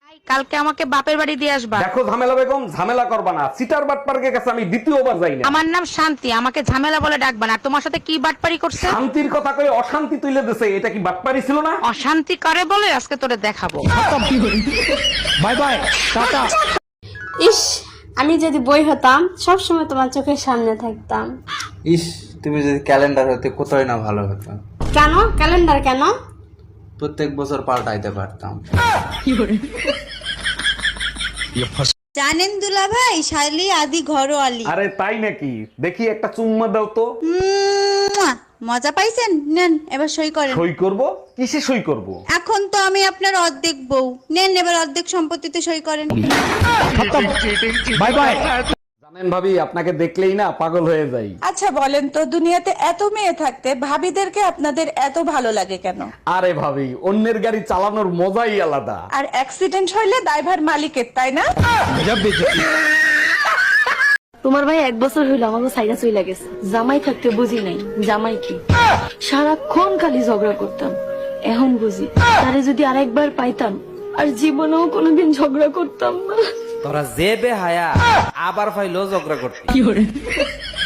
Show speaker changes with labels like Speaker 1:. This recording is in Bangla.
Speaker 1: কালকে আমাকে বাপের বাড়ি দিয়ে আসবা।
Speaker 2: দেখো ঝামেলা বেগম, ঝামেলা করবা না। সিটার বাটপার্কের কাছে আমি দ্বিতীয়বার যাই না।
Speaker 1: আমার নাম শান্তি, আমাকে ঝামেলা বলে ডাকবা না। আর তোমার সাথে কি বাটপারি করছে?
Speaker 2: শান্তির কথা কয়ে অশান্তি তুলে দিছে, এটা কি বাটপারি ছিল না?
Speaker 1: অশান্তি করে বলে আজকে তোরে দেখাবো।
Speaker 2: Bye bye, tata.
Speaker 3: ইস, আমি যদি বই হতাম সব সময় তোমার চোখের সামনে থাকতাম।
Speaker 4: ইস, তুমি যদি ক্যালেন্ডার হতে কোথায় না ভালো হতো।
Speaker 3: কেন ক্যালেন্ডার কেন?
Speaker 4: প্রত্যেক বছর পাল্টাইতে পারতাম।
Speaker 5: জানেন দুলা ভাই, শালি আদি ঘরোয়ালি।
Speaker 2: আরে তাই নাকি? দেখি একটা চুম্মা দাও তো।
Speaker 5: মুয়া! মজা পাইছেন? নেন এবার সই করেন।
Speaker 2: সই করব? কিসে সই করব?
Speaker 5: এখন তো আমি আপনার অর্ধেক বউ, নেন এবার অর্ধেক সম্পত্তিতে সই করেন।
Speaker 2: Bye bye. জানেন ভাবি, আপনাকে দেখলেই না পাগল হয়ে যাই।
Speaker 6: আচ্ছা বলেন তো, দুনিয়াতে এত মেয়ে থাকতে ভাবিদেরকে আপনাদের এত ভালো লাগে কেন?
Speaker 2: আরে ভাবি, অন্যের গাড়ি চালানোর মজাই আলাদা।
Speaker 6: আর অ্যাক্সিডেন্ট হইলে দায়ভার মালিকের, তাই না?
Speaker 7: তোমার ভাই 1 বছর হইলো আমাকে সাইরা চইলা গেছে। জামাই থাকতে বুঝি নাই জামাই কি, সারাক্ষণ খালি ঝগড়া করতাম। এখন বুঝি তারে যদি আরেকবার পাইতাম আর জীবনেও কোনোদিন ঝগড়া করতাম না।
Speaker 8: তোরা যে বেহায়া আবার ফাইলো ঝগড়া করতে।